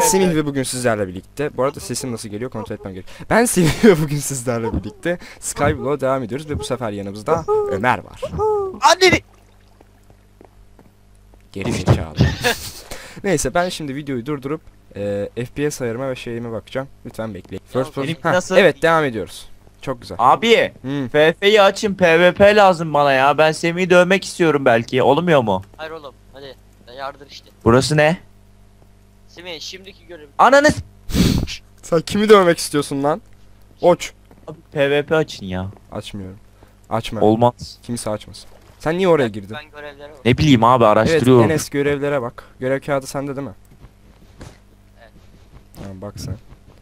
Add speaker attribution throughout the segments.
Speaker 1: Semih ve bugün sizlerle birlikte. Bu arada sesim nasıl geliyor kontrol etmem gerekiyor. Ben Semih ve bugün sizlerle birlikte Skyblock'a devam ediyoruz ve bu sefer yanımızda Ömer var.
Speaker 2: Anneni.
Speaker 1: Geri zekalı. Neyse ben şimdi videoyu durdurup FPS ayarıma ve şeyime bakacağım. Lütfen bekleyin. First person.
Speaker 2: benim nasıl?
Speaker 1: Evet devam ediyoruz. Çok güzel.
Speaker 2: Abi FF'yi açın, PvP lazım bana ya. Ben Semih'i dövmek istiyorum belki. Olmuyor mu?
Speaker 3: Hayır oğlum hadi yardır işte.
Speaker 2: Burası ne?
Speaker 3: Semih şimdiki görevim.
Speaker 2: Ananı
Speaker 1: Sen kimi dövmek istiyorsun lan? Oç.
Speaker 2: Abi PvP açın ya.
Speaker 1: Açmıyorum. Açma.
Speaker 2: Olmaz.
Speaker 1: Kimse açmasın. Sen niye oraya girdin?
Speaker 3: Ben görevlere bak.
Speaker 2: Ne bileyim abi,
Speaker 1: Evet
Speaker 2: araştırıyorum.
Speaker 1: Enes görevlere bak. Görev kağıdı sende değil mi?
Speaker 3: Evet.
Speaker 1: Tamam bak sen.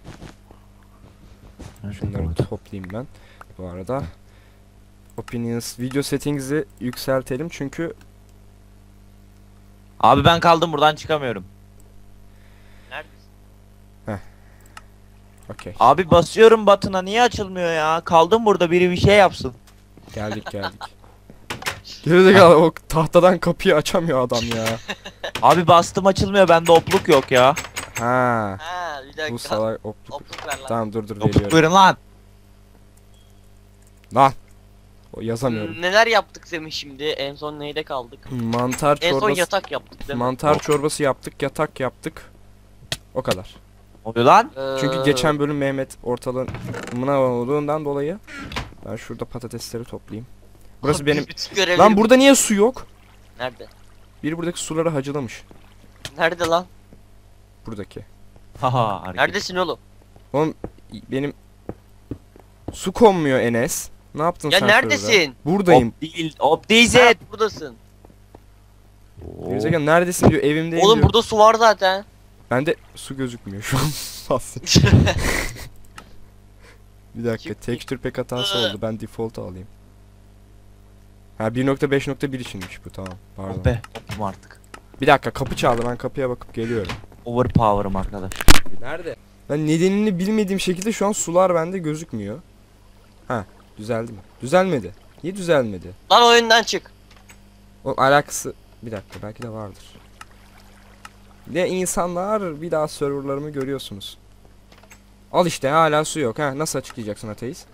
Speaker 1: Şunları toplayayım ben. Bu arada Opinions video settings'i yükseltelim çünkü
Speaker 2: Abi ben kaldım, buradan çıkamıyorum.
Speaker 3: Neredesin?
Speaker 1: okey.
Speaker 2: Abi basıyorum batına, niye açılmıyor ya? Kaldım burada, biri bir şey yapsın.
Speaker 1: Geldik. Gerizekalı o tahtadan kapıyı açamıyor adam ya.
Speaker 2: Abi bastım, açılmıyor, bende opluk yok ya.
Speaker 1: Ha.
Speaker 3: Ha bir dakika.
Speaker 1: Bu salak opluk.
Speaker 3: Opluk ver lan.
Speaker 1: Tamam dur
Speaker 2: Opluk
Speaker 1: veriyorum.
Speaker 2: verin lan.
Speaker 1: Lan. O yazamıyorum.
Speaker 3: Neler yaptık Semih şimdi? En son neyde kaldık?
Speaker 1: Mantar
Speaker 3: En son
Speaker 1: çorbası.
Speaker 3: yatak yaptık değil mi?
Speaker 1: Mantar çorbası yaptık, yatak yaptık. O kadar.
Speaker 2: Ne oluyor lan?
Speaker 1: Çünkü geçen bölüm Mehmet ortalığına olduğundan dolayı ben şurada patatesleri toplayayım. Burası benim.
Speaker 3: bütün görevleri
Speaker 1: Lan burada niye su yok?
Speaker 3: Nerede?
Speaker 1: Biri buradaki suları hacılamış.
Speaker 3: Nerede lan?
Speaker 1: Buradaki.
Speaker 2: Haha, hareket.
Speaker 3: Neredesin oğlum?
Speaker 1: Oğlum benim su konmuyor Enes. Ne yaptın
Speaker 3: Ya
Speaker 1: sen
Speaker 3: neredesin?
Speaker 1: şurada? Buradayım.
Speaker 2: Op değil, op değilsin.
Speaker 3: Ha, buradasın.
Speaker 1: Gerizekalı neredesin diyor, evimdeyim
Speaker 3: Oğlum
Speaker 1: diyor.
Speaker 3: burada su var zaten.
Speaker 1: Bende su gözükmüyor şu an. Bir dakika,
Speaker 3: Çık.
Speaker 1: texture pack hatası oldu. Ben default alayım. Ha 1.5.1 içinmiş bu, tamam. Pardon.
Speaker 2: Oh be, opum artık.
Speaker 1: Bir dakika, kapı çaldı, ben kapıya bakıp geliyorum.
Speaker 2: Overpower'ım arkadaş.
Speaker 1: Nerede? Ben nedenini bilmediğim şekilde şu an sular bende gözükmüyor. Ha, düzeldi mi? Düzelmedi. Niye düzelmedi?
Speaker 3: Lan oyundan çık.
Speaker 1: O alakası bir dakika, belki de vardır. Ne insanlar, bir daha serverlarımı görüyorsunuz. Al işte, hala su yok. Ha, nasıl açıklayacaksın ateist?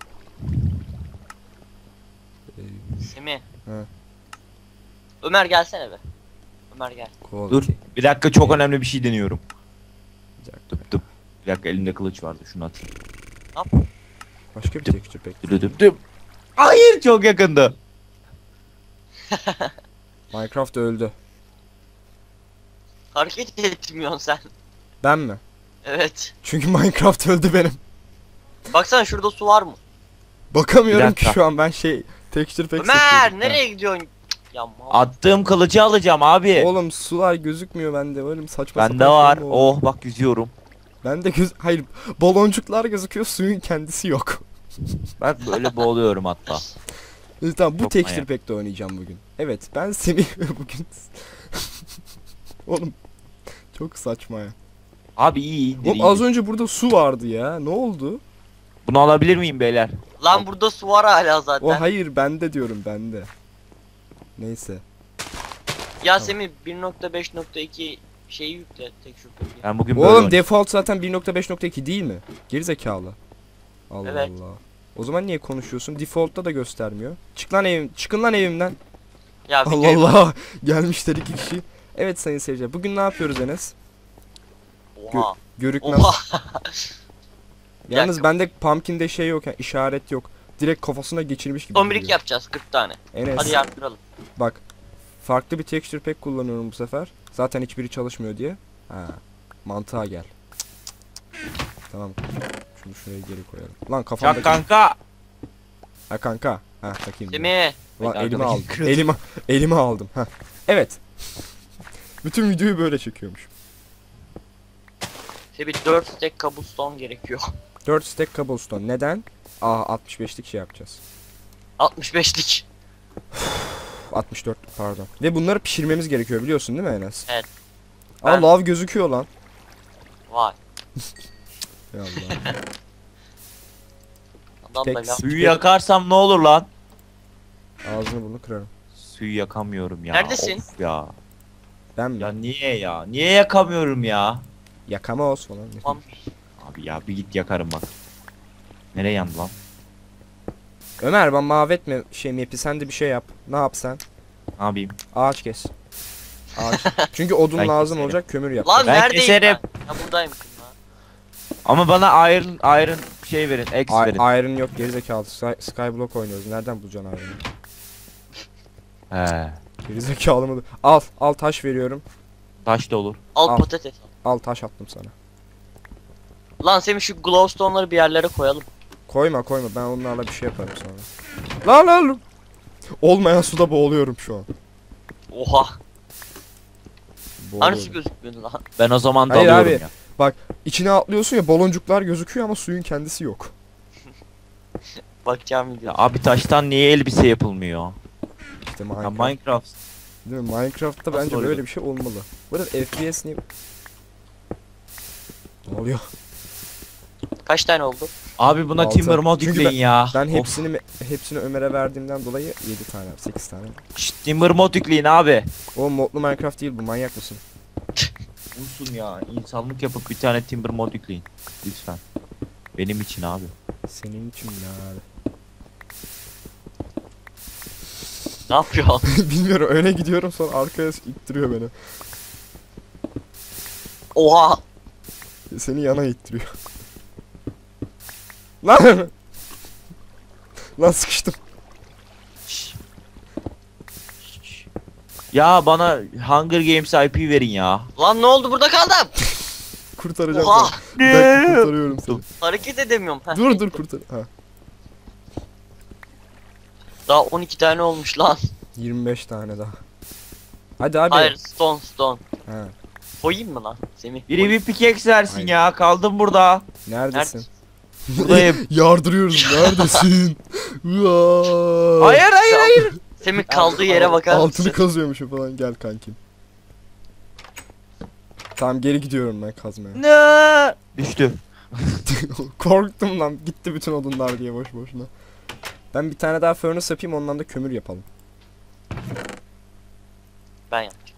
Speaker 3: Semih.
Speaker 1: He.
Speaker 3: Ömer gelsene be. Ömer gel.
Speaker 2: Dur, bir dakika, çok önemli bir şey deniyorum.
Speaker 1: Bir dakika.
Speaker 2: Dıp dıp. Bir dakika, elimde kılıç vardı, şunu atayım.
Speaker 1: Başka bir texture pack.
Speaker 2: Dıp dıp dıp. Hayır, çok yakındı.
Speaker 1: Minecraft öldü.
Speaker 3: Hareket etmiyorsun sen.
Speaker 1: Ben mi?
Speaker 3: Evet.
Speaker 1: Çünkü Minecraft öldü benim.
Speaker 3: Baksana şurada su var mı?
Speaker 1: Bakamıyorum
Speaker 2: Bir
Speaker 1: ki
Speaker 2: dakika.
Speaker 1: şu an, ben texture pack
Speaker 3: Ömer
Speaker 1: seçiyordum.
Speaker 3: nereye gidiyorsun? Ya mal.
Speaker 2: Attığım kılıcı alacağım abi.
Speaker 1: Oğlum sular gözükmüyor bende, oğlum saçma
Speaker 2: Bende
Speaker 1: sapan
Speaker 2: var.
Speaker 1: şey mi oldu?
Speaker 2: Oh bak, yüzüyorum.
Speaker 1: Bende hayır, baloncuklar gözüküyor, suyun kendisi yok.
Speaker 2: Ben böyle boğuluyorum hatta.
Speaker 1: Tamam, bu
Speaker 2: Çok
Speaker 1: texture
Speaker 2: manyak.
Speaker 1: pack'te oynayacağım bugün. Evet, ben Semih bugün. Oğlum çok saçma ya.
Speaker 2: Abi iyi.
Speaker 1: Oğlum az önce burada su vardı ya. Ne oldu?
Speaker 2: Bunu alabilir miyim beyler?
Speaker 3: Lan burada su var hala zaten.
Speaker 1: O hayır, bende diyorum, bende. Neyse.
Speaker 3: Ya Semih 1.5.2 şeyi yükle tek şu bölge.
Speaker 2: Ben bugün böyle
Speaker 1: Oğlum
Speaker 2: oynayacağım.
Speaker 1: default zaten 1.5.2 değil mi? Gerizekalı. Allah
Speaker 3: Evet.
Speaker 1: Allah. O zaman niye konuşuyorsun? Default'ta da göstermiyor. Çıkın lan evimden.
Speaker 3: Ya bir
Speaker 1: Allah
Speaker 3: kere-
Speaker 1: Allah. Gelmişler iki kişi. Evet sayın seyirciler. Bugün ne yapıyoruz Enes?
Speaker 3: Oha.
Speaker 1: Görükmez.
Speaker 3: Oha.
Speaker 1: Yalnız
Speaker 3: dakika.
Speaker 1: bende pumpkin'de şey yok, yani işaret yok. Direkt kafasına geçirmiş gibi.
Speaker 3: Tombirik
Speaker 1: duruyor.
Speaker 3: yapacağız 40 tane.
Speaker 1: Enes.
Speaker 3: Hadi yardıralım.
Speaker 1: Bak. Farklı bir texture pack kullanıyorum bu sefer. Zaten hiçbiri çalışmıyor diye. Ha. Mantığa gel. Tamam. Şunu şuraya geri koyalım. Lan kafamda.
Speaker 2: Ya kanka.
Speaker 1: Ha kanka. Ha takayım.
Speaker 3: Semih.
Speaker 1: Lan
Speaker 2: Arkadaki
Speaker 1: elime aldım.
Speaker 2: kırıldı.
Speaker 1: Elime aldım. Ha. Evet. Bütün videoyu böyle çekiyormuş.
Speaker 3: Semih 4 stack cobblestone gerekiyor.
Speaker 1: 4 stack cobblestone. Neden? 65'lik şey yapacağız.
Speaker 3: 65'lik.
Speaker 1: 64 pardon. Ve bunları pişirmemiz gerekiyor, biliyorsun değil mi Enes?
Speaker 3: Evet.
Speaker 1: Aa
Speaker 3: Ben-
Speaker 1: lav gözüküyor lan.
Speaker 3: Vay.
Speaker 1: Ya Allah.
Speaker 3: Adam da
Speaker 1: Tek-
Speaker 3: laf.
Speaker 2: Suyu yakarsam ne olur lan?
Speaker 1: Ağzını bunu kırarım.
Speaker 2: Suyu yakamıyorum ya.
Speaker 3: Neredesin?
Speaker 2: Of ya.
Speaker 1: Ben mi?
Speaker 2: Ya niye ya? Niye yakamıyorum ya?
Speaker 1: Yakamoz falan.
Speaker 3: Tamam.
Speaker 2: Abi ya bir git yakarım bak. Nereye yandı lan?
Speaker 1: Ömer ben mahvetme şey mi sen de bir şey yap. Ne yap sen?
Speaker 2: Ne yapayım?
Speaker 1: Ağaç kes. Ağaç. Çünkü odun
Speaker 2: Ben
Speaker 1: lazım
Speaker 2: keserim.
Speaker 1: olacak kömür yap.
Speaker 3: Lan
Speaker 2: Ben
Speaker 3: neredeyim
Speaker 2: keserim.
Speaker 3: ben? Ya buradayım kız lan.
Speaker 2: Ama bana iron şey verin, X verin.
Speaker 1: Iron yok gerizekalı. Skyblock oynuyoruz. Nereden bulacaksın iron'ı?
Speaker 2: He.
Speaker 1: Gerizekalı mı? Al taş veriyorum.
Speaker 2: Taş da olur.
Speaker 3: Al
Speaker 1: Al.
Speaker 3: patates.
Speaker 1: Al taş attım sana.
Speaker 3: Lan Semih şu glowstone'ları bir yerlere koyalım.
Speaker 1: Koyma ben onlarla bir şey yaparım sonra. Lan. Olmayan suda boğuluyorum şu an.
Speaker 3: Oha. Hani su
Speaker 1: Boğuluyorum.
Speaker 3: gözükmüyordu lan.
Speaker 2: Ben o zaman
Speaker 1: Hayır
Speaker 2: dalıyorum
Speaker 1: abi.
Speaker 2: ya.
Speaker 1: İçine atlıyorsun ya baloncuklar gözüküyor ama suyun kendisi yok.
Speaker 3: Bakacağım
Speaker 2: Ya
Speaker 3: video.
Speaker 2: abi taştan niye elbise yapılmıyor?
Speaker 1: İşte
Speaker 2: Ya
Speaker 1: Minecraft.
Speaker 2: Minecraft.
Speaker 1: Değil mi? Minecraft'ta
Speaker 2: Nasıl
Speaker 1: bence
Speaker 2: oluyor?
Speaker 1: böyle bir şey olmalı. Bu arada FPS niye... Ne oluyor?
Speaker 3: Kaç tane oldu?
Speaker 2: Abi buna
Speaker 1: Altı.
Speaker 2: Timber mod
Speaker 1: Çünkü
Speaker 2: yükleyin ya.
Speaker 1: Ben
Speaker 2: Of.
Speaker 1: hepsini Ömer'e verdiğimden dolayı 7 tane, 8 tane.
Speaker 2: Şşt, Timber mod yükleyin abi.
Speaker 1: O modlu Minecraft değil bu, manyak mısın?
Speaker 2: Olsun ya. İnsanlık yapıp bir tane Timber mod yükleyin. Lütfen. Benim için abi.
Speaker 1: Senin için ya.
Speaker 3: Ne yapıyor?
Speaker 1: Bilmiyorum öne gidiyorum sonra arkaya ittiriyor beni.
Speaker 3: Oha.
Speaker 1: Seni yana ittiriyor. Lan! Lan sıkıştım.
Speaker 2: Şşş. Şşş. Ya bana Hunger Games IP verin ya.
Speaker 3: Lan ne oldu burada kaldım.
Speaker 1: Kurtaracağım
Speaker 3: Oha.
Speaker 1: seni. Bir dakika kurtarıyorum seni.
Speaker 3: Hareket edemiyorum. Heh.
Speaker 1: Dur kurtar. Ha.
Speaker 3: Daha 12 tane olmuş lan.
Speaker 1: 25 tane daha. Hadi abi.
Speaker 3: Hayır stone.
Speaker 1: Ha.
Speaker 3: Koyayım mı lan Semih?
Speaker 2: Biri bir pickaxe versin
Speaker 1: Aynen.
Speaker 2: ya. Kaldım burada.
Speaker 1: Neredesin?
Speaker 2: Buradayım.
Speaker 1: Yardırıyoruz. Neredesin? Uaa.
Speaker 2: hayır.
Speaker 3: Semih kaldığı yere bakar mısın?
Speaker 1: Altını kazıyormuşum falan gel kankim. Tamam geri gidiyorum ben kazmaya.
Speaker 2: Ne? Düştü.
Speaker 1: Korktum lan gitti bütün odunlar diye boş boşuna. Ben bir tane daha furnace yapayım ondan da kömür yapalım.
Speaker 3: Ben yapacağım.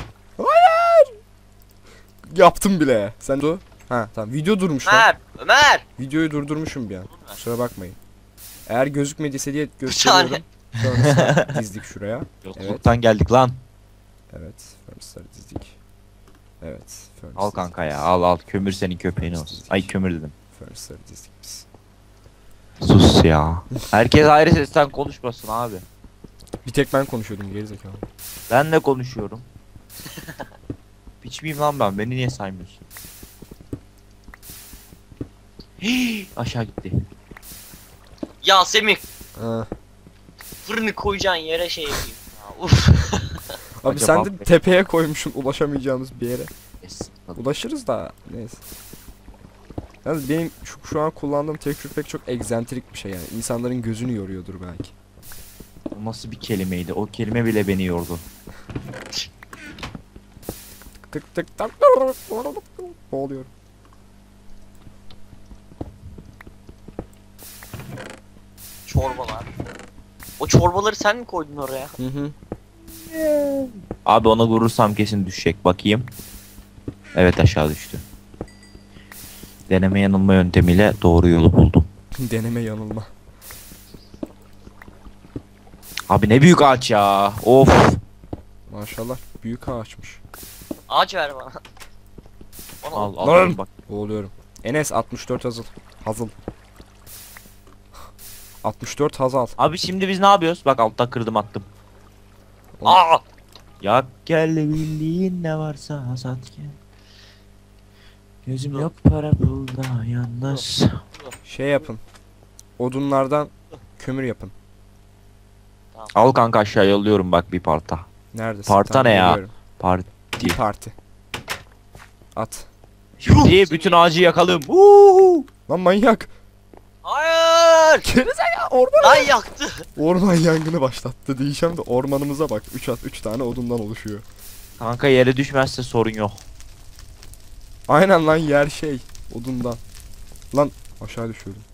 Speaker 1: Yaptım bile. Sen dur. Ha tamam video durmuş lan.
Speaker 3: Ömer.
Speaker 1: Videoyu durdurmuşum bir an.
Speaker 3: Ömer.
Speaker 1: Kusura bakmayın. Eğer gözükmediyse diye gösteriyorum. Furnace'ları dizdik şuraya.
Speaker 2: Yokluktan geldik lan.
Speaker 1: Evet. Furnace'ları dizdik. Evet.
Speaker 2: Al kanka ya. Al. Kömür senin köpeğin olsun. Ay kömür dedim.
Speaker 1: Furnace'ları dizdik biz.
Speaker 2: Sus ya. Herkes ayrı sesten konuşmasın abi.
Speaker 1: Bir tek ben konuşuyordum gerizekalı.
Speaker 2: Ben de konuşuyorum. Piç miyim lan ben? Beni niye saymıyorsun? Hii, aşağı gitti.
Speaker 3: Ya Semih
Speaker 1: Ha.
Speaker 3: fırını koyacağın yere şey yapayım. Ya, uf.
Speaker 1: Abi
Speaker 2: Acaba-
Speaker 1: sen de tepeye koymuşsun ulaşamayacağımız bir yere.
Speaker 2: Yes.
Speaker 1: Ulaşırız da neyse. Yalnız benim şu an kullandığım tekstür pek çok egzantrik bir şey yani. İnsanların gözünü yoruyordur belki.
Speaker 2: O nasıl bir kelimeydi? O kelime bile beni yordu.
Speaker 1: Tık tık tak. Boğuluyorum.
Speaker 3: Çorbalar. O çorbaları sen mi koydun oraya?
Speaker 1: Hı hı.
Speaker 2: Abi ona vurursam kesin düşecek. Bakayım. Evet aşağı düştü. Deneme yanılma yöntemiyle doğru yolu buldum.
Speaker 1: Deneme yanılma.
Speaker 2: Abi ne büyük ağaç ya. Of.
Speaker 1: Maşallah büyük ağaçmış.
Speaker 3: Ağaç ver bana. Bana
Speaker 2: Al
Speaker 1: Lan!
Speaker 2: bak.
Speaker 1: Boğuluyorum. Enes 64 hazıl. Hazıl. 64 hazal.
Speaker 2: Abi şimdi biz ne yapıyoruz? Bak altta kırdım attım.
Speaker 3: Aa!
Speaker 2: Yak gel bildiğin ne varsa sat gel. Gözüm yok para pulda yalnız.
Speaker 1: Şey yapın. Odunlardan kömür yapın.
Speaker 2: Al kanka aşağı yolluyorum bak bir parta.
Speaker 1: Neredesin?
Speaker 2: Parta ne ya?
Speaker 1: geliyorum.
Speaker 2: Parti.
Speaker 1: Bir parti. At.
Speaker 2: Şimdi bütün ağacı yakalım. Uhu.
Speaker 1: Lan manyak.
Speaker 3: Hayır!
Speaker 1: Gerizekalı orman.
Speaker 3: Lan yaktı.
Speaker 1: Orman yangını başlattı diyeceğim de ormanımıza bak. 3 tane odundan oluşuyor.
Speaker 2: Kanka yere düşmezse sorun yok.
Speaker 1: Aynen lan yer şey. Odundan. Lan aşağı düşüyordum.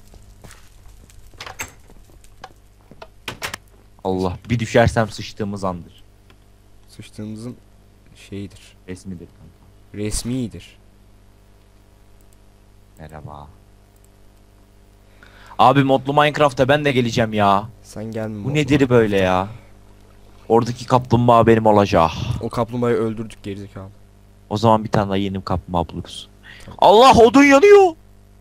Speaker 2: Allah bir düşersem sıçtığımız andır.
Speaker 1: Sıçtığımızın şeyidir.
Speaker 2: Resmidir kanka.
Speaker 1: Resmidir.
Speaker 2: Merhaba. Abi modlu Minecraft'a ben de geleceğim ya.
Speaker 1: Sen gelme.
Speaker 2: Bu nedir böyle ya? Oradaki kaplumbağa benim olacak.
Speaker 1: O kaplumbağayı öldürdük gerizekalı.
Speaker 2: O zaman bir tane daha yeni kaplumbağa buluruz. Allah odun yanıyor.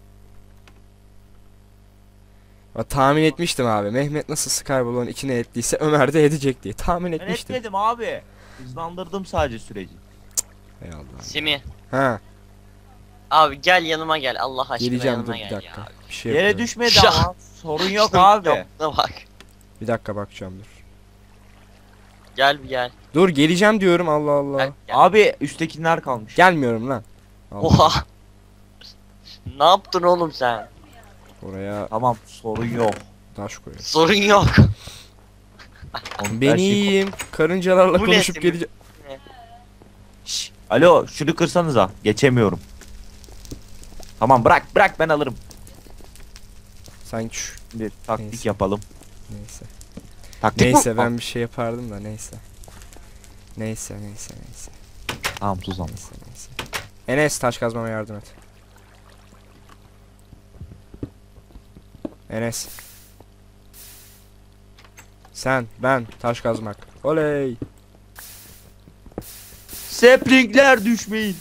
Speaker 1: Tahmin etmiştim abi. Mehmet nasıl Skyball'un içine ettiyse Ömer de edecek diye. Tahmin
Speaker 2: Ben
Speaker 1: etmiştim.
Speaker 2: etmedim abi. Hızlandırdım sadece süreci.
Speaker 1: Ey Allah.
Speaker 3: Semih.
Speaker 1: Ha,
Speaker 3: Abi gel yanıma gel. Allah aşkına
Speaker 1: geleceğim dur
Speaker 3: yanıma
Speaker 1: bir
Speaker 3: gel
Speaker 1: dakika.
Speaker 3: ya.
Speaker 1: Bir şey
Speaker 2: Yere
Speaker 1: yapıyorum.
Speaker 2: düşmedi
Speaker 3: Şah.
Speaker 2: ama sorun yok abi.
Speaker 3: Yaptığına bak.
Speaker 1: Bir dakika bakacağım dur.
Speaker 3: Gel bir gel.
Speaker 1: Dur geleceğim diyorum Allah Allah.
Speaker 3: Gel, gel.
Speaker 2: Abi üsttekiler kalmış.
Speaker 1: Gelmiyorum lan. Allah.
Speaker 3: Oha. Ne yaptın oğlum sen?
Speaker 1: Oraya
Speaker 2: Tamam sorun yok.
Speaker 1: taş koy.
Speaker 3: Sorun yok.
Speaker 2: Onun
Speaker 1: Ben
Speaker 2: her şeyi-
Speaker 1: iyiyim. Karıncalarla
Speaker 3: Bu ne
Speaker 1: konuşup
Speaker 3: Semih?
Speaker 1: geleceğim.
Speaker 2: Şşş, alo şunu kırsanıza. Geçemiyorum. Tamam bırak ben alırım.
Speaker 1: Sanki şu.
Speaker 2: Bir taktik
Speaker 1: Neyse.
Speaker 2: yapalım.
Speaker 1: Neyse.
Speaker 2: Taktik mi?
Speaker 1: Neyse ben bir şey yapardım da neyse. Neyse.
Speaker 2: Tamam tuzam.
Speaker 1: Neyse. Enes taş kazmama yardım et. Enes. Sen, ben, taş kazmak. Oley.
Speaker 2: Saplingler düşmeyin.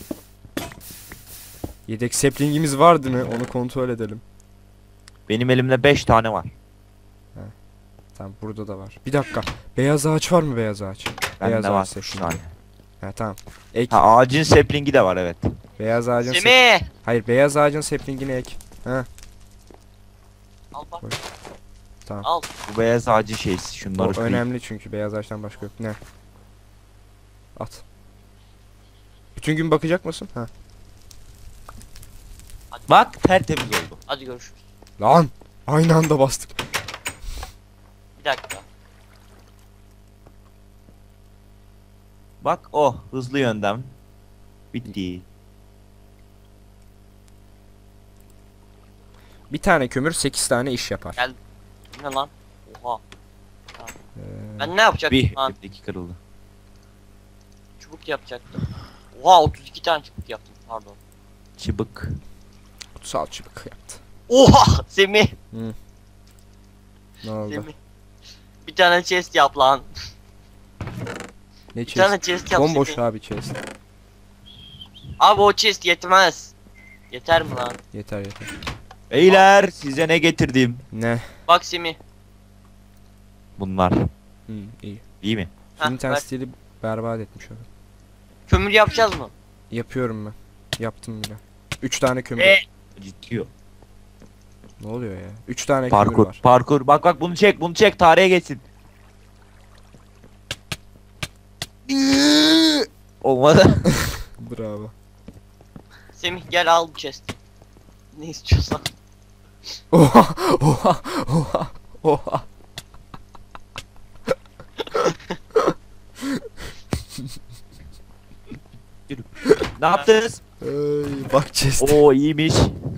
Speaker 1: Yedek saplingimiz vardı mı? Onu kontrol edelim.
Speaker 2: Benim elimde 5 tane var.
Speaker 1: Tamam burada da var. Bir dakika. Beyaz ağaç var mı beyaz ağaç? Beyaz
Speaker 2: Bende var
Speaker 1: ağaç
Speaker 2: 3
Speaker 1: saplingi.
Speaker 2: tane.
Speaker 1: Ha tamam. Ek.
Speaker 2: Ha ağacın saplingi de var evet.
Speaker 1: Beyaz ağacın
Speaker 3: Semih.
Speaker 1: Hayır beyaz ağacın saplingini ek.
Speaker 3: Al bak.
Speaker 1: Tamam.
Speaker 3: Al.
Speaker 2: Bu beyaz ağacın şeysi
Speaker 1: O
Speaker 2: şunları kırayım.
Speaker 1: önemli çünkü beyaz ağaçtan başka yok. Ne? At. Bütün gün bakacak mısın? Ha.
Speaker 2: Bak tertemiz oldu.
Speaker 3: Hadi görüşürüz.
Speaker 1: Lan! Aynı anda bastık.
Speaker 3: Bir dakika.
Speaker 2: Bak o hızlı yöntem. Bitti.
Speaker 1: Bir tane kömür 8 tane iş yapar.
Speaker 3: Gel. Bu ne lan? Oha.
Speaker 1: Ee,
Speaker 3: Ben ne yapacaktım
Speaker 2: Bir
Speaker 3: lan?
Speaker 2: öteki kırıldı.
Speaker 3: Çubuk yapacaktım. Oha 32 tane çubuk yaptım pardon.
Speaker 2: Çıbık.
Speaker 1: kutsal çubuk yaptı.
Speaker 3: Oha Semih.
Speaker 1: Ne oldu?
Speaker 3: Semih. Bir tane chest yap lan.
Speaker 1: Ne
Speaker 3: Bir tane
Speaker 1: chest?
Speaker 3: chest yap
Speaker 1: Bomboş
Speaker 3: Semih.
Speaker 1: abi chest.
Speaker 3: Abi o chest yetmez. Yeter mi lan?
Speaker 1: Yeter.
Speaker 2: Beyler size ne getirdim?
Speaker 1: Ne?
Speaker 3: Bak Semih.
Speaker 2: Bunlar.
Speaker 1: İyi.
Speaker 2: İyi mi?
Speaker 3: Heh,
Speaker 1: Şimdi tane
Speaker 3: ver.
Speaker 1: stili berbat etmiş abi.
Speaker 3: Kömür yapacağız mı?
Speaker 1: Yapıyorum ben. Yaptım bile. 3 tane kömür.
Speaker 2: Ciddi o.
Speaker 1: Ne oluyor ya? 3 tane kömür
Speaker 2: Parkur.
Speaker 1: var.
Speaker 2: Parkur. Bak bunu çek tarihe geçsin. Olmadı.
Speaker 1: Bravo.
Speaker 3: Semih gel al bu chest. Ne istiyorsan.
Speaker 1: Oha! Oha! Oha! Oha!
Speaker 2: Ne yaptınız?
Speaker 1: Ey, bak chest.
Speaker 2: Oo iyiymiş.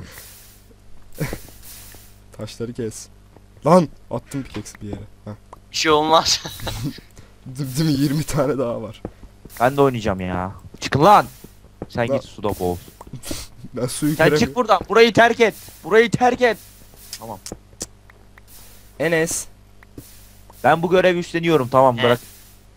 Speaker 1: Taşları kes. Lan! Attım pickaxe bir yere. Heh.
Speaker 3: Bir şey olmaz.
Speaker 1: Değil mi? 20 tane daha var.
Speaker 2: Ben de oynayacağım ya. Çıkın lan. Sen
Speaker 1: Lan.
Speaker 2: git suda boğul.
Speaker 1: Ben suyu
Speaker 2: Sen
Speaker 1: göremiyorum.
Speaker 2: çık buradan. Burayı terk et. Burayı terk et. Tamam.
Speaker 1: Enes.
Speaker 2: Ben bu görevi üstleniyorum. Tamam
Speaker 3: Ne?
Speaker 2: bırak.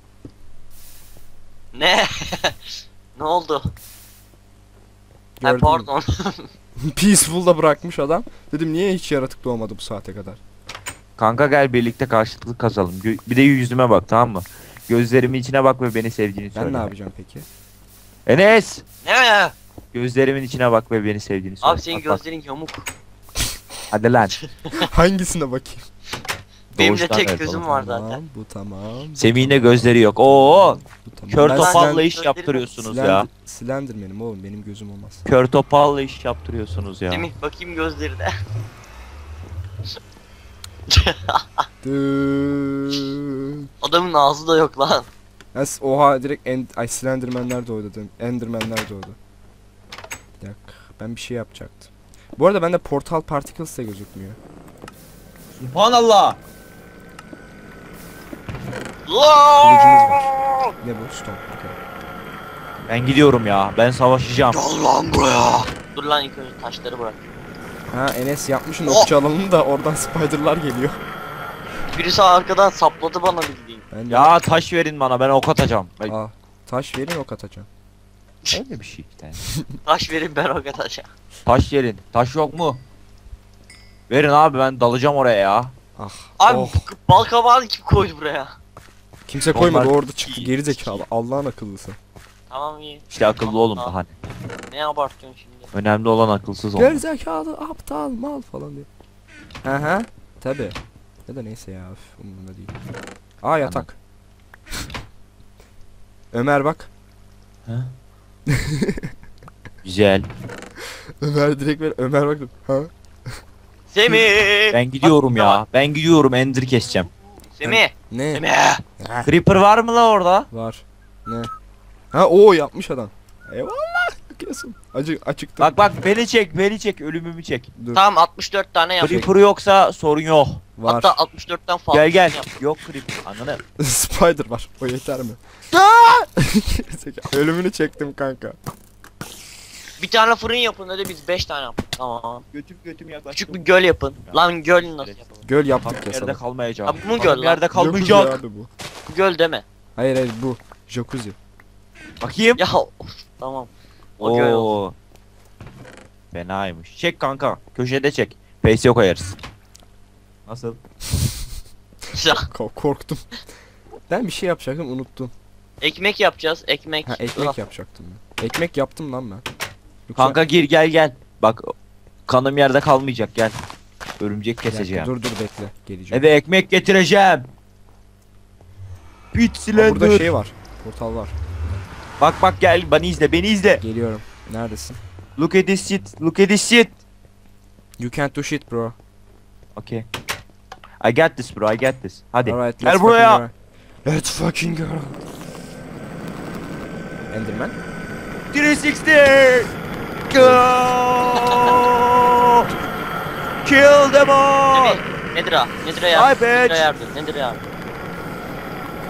Speaker 3: Ne? Ne oldu? Ha,
Speaker 1: Gördün mü?
Speaker 3: pardon.
Speaker 1: Peaceful'da bırakmış adam. Dedim niye hiç yaratık doğmadı bu saate kadar?
Speaker 2: Kanka gel birlikte karşılıklı kazalım. Bir de yüzüme bak tamam mı? Gözlerimin içine bak ve beni sevdiğini söyle.
Speaker 1: Ben ne yapacağım peki?
Speaker 2: Enes!
Speaker 3: Ne?
Speaker 2: Gözlerimin içine bak ve beni sevdiğini söyle.
Speaker 3: Abi senin
Speaker 2: Bak, bak.
Speaker 3: gözlerin yamuk.
Speaker 2: Hadi lan.
Speaker 1: Hangisine bakayım?
Speaker 3: Benim de
Speaker 2: Doğuştan
Speaker 3: tek
Speaker 2: evet
Speaker 3: gözüm
Speaker 2: oğlum.
Speaker 3: var
Speaker 1: Tamam,
Speaker 3: zaten.
Speaker 1: bu tamam.
Speaker 2: Semih'in de gözleri yok. Oo!
Speaker 1: Bu tamam.
Speaker 2: Kör
Speaker 1: Ben
Speaker 2: topalla
Speaker 3: Slend-
Speaker 2: iş yaptırıyorsunuz ya.
Speaker 1: Slenderman'im oğlum benim gözüm olmaz.
Speaker 2: Kör topalla iş yaptırıyorsunuz ya.
Speaker 3: Semih bakayım gözlerine. Adamın ağzı da yok lan.
Speaker 1: Oha direkt Slenderman'ler doğdu dedim. Enderman'ler doğdu. Bir dakika ben bir şey yapacaktım. Bu arada bende Portal Particles de gözükmüyor.
Speaker 2: Subhanallah.
Speaker 1: Kılıcımız var. Ne bu? Stone. Okay.
Speaker 2: Ben gidiyorum ya. Ben savaşacağım.
Speaker 3: Gel lan buraya. Dur lan ilk önce taşları bırak.
Speaker 1: Ha Enes yapmışsın okçu alanını da oradan spiderlar geliyor.
Speaker 3: Birisi arkadan sapladı bana bildiğin.
Speaker 1: Ben de-
Speaker 2: Ya taş verin bana, ben ok atacağım.
Speaker 1: Aa, taş verin ok atacağım.
Speaker 2: Öyle bir şey işte.
Speaker 3: Taş verin ben o kadar aşağı.
Speaker 2: Taş verin. Taş yok mu? Verin abi, ben dalacağım oraya ya.
Speaker 1: Ah.
Speaker 3: Abi
Speaker 1: oh.
Speaker 3: bal kabağını kim koydu buraya?
Speaker 1: Kimse koymadı
Speaker 2: Onlar-
Speaker 1: orada çıktı geri zekalı. Allah'ın akıllısı.
Speaker 3: Tamam iyi.
Speaker 2: İşte akıllı olun da hani.
Speaker 3: Ne abartıyorsun şimdi?
Speaker 2: Önemli olan akılsız
Speaker 1: Geri
Speaker 2: olmak.
Speaker 1: zekalı aptal mal falan diyor. Aha. Tabi. Ya da neyse ya. Üf, umurumda değil. Aa yatak. Ömer bak.
Speaker 2: Güzel.
Speaker 1: Ömer direkt ver. Ömer bak. Ha?
Speaker 3: Semih!
Speaker 2: Ben gidiyorum ya. Ben gidiyorum, Ender keseceğim.
Speaker 3: Semih!
Speaker 1: Ne?
Speaker 3: Semih!
Speaker 1: Ha,
Speaker 2: Creeper var mı la orada?
Speaker 1: var. Ne? Ha o yapmış adam. Eyvallah. Bakıyorsun. Açıktı.
Speaker 2: Bak bak, beni çek, beni çek, ölümümü çek.
Speaker 1: Dur.
Speaker 3: Tamam 64 tane yap.
Speaker 2: Creeper yoksa sorun yok.
Speaker 1: Var.
Speaker 3: Hatta 64'ten fazla
Speaker 2: Gel gel.
Speaker 3: yap.
Speaker 2: Yok Creeper. Ananı.
Speaker 1: Spider var. O yeter mi? Gerizekalı. Ölümünü çektim kanka.
Speaker 3: Bir tane fırın yapın hadi biz 5 tane yapın. Tamam.
Speaker 2: Götüm yaklaş.
Speaker 3: Küçük bir göl yapın. Lan göl nasıl yapalım?
Speaker 1: Göl yaptık ya
Speaker 2: Yerde
Speaker 1: sana.
Speaker 2: kalmayacağım.
Speaker 3: Abi bu mu göl lan?
Speaker 2: Yerde
Speaker 1: Jacuzzi
Speaker 2: kalmayacak.
Speaker 1: abi bu.
Speaker 3: Bu göl deme.
Speaker 1: Hayır hayır bu. Jacuzzi.
Speaker 2: Bakayım.
Speaker 3: Ya of, tamam. O göl olsun.
Speaker 2: Oo. Fenaymış. Çek kanka. Köşede çek. Face'e koyarız. Nasıl?
Speaker 1: Korktum. Ben bir şey yapacaktım unuttum.
Speaker 3: Ekmek yapacağız. Ekmek.
Speaker 1: Ha ekmek
Speaker 3: Ulan,
Speaker 1: yapacaktım ben. Ekmek yaptım lan ben. Yoksa-
Speaker 2: Kanka gir, gel gel. Bak kanım yerde kalmayacak, gel. Örümcek
Speaker 1: Bir dakika,
Speaker 2: keseceğim.
Speaker 1: dur bekle. Geleceğim.
Speaker 2: Eve ekmek getireceğim. Pit
Speaker 1: Aa, burada
Speaker 2: Slender.
Speaker 1: şey var. Portal var.
Speaker 2: Bak bak gel, beni izle, beni izle.
Speaker 1: Geliyorum. Neredesin?
Speaker 2: Look at this shit. Look at this shit.
Speaker 1: You can't do shit bro.
Speaker 2: Okay. I got this bro, I got this. Hadi.
Speaker 1: Alright,
Speaker 2: Gel
Speaker 1: let's
Speaker 2: buraya.
Speaker 1: fucking go. Let's fucking go. Enderman.
Speaker 2: 360. Go. Kill them all.
Speaker 3: Semih. Nedir ha? Nedir yardım?
Speaker 2: Ay be.
Speaker 3: Nedir yardım? Nedir yardım?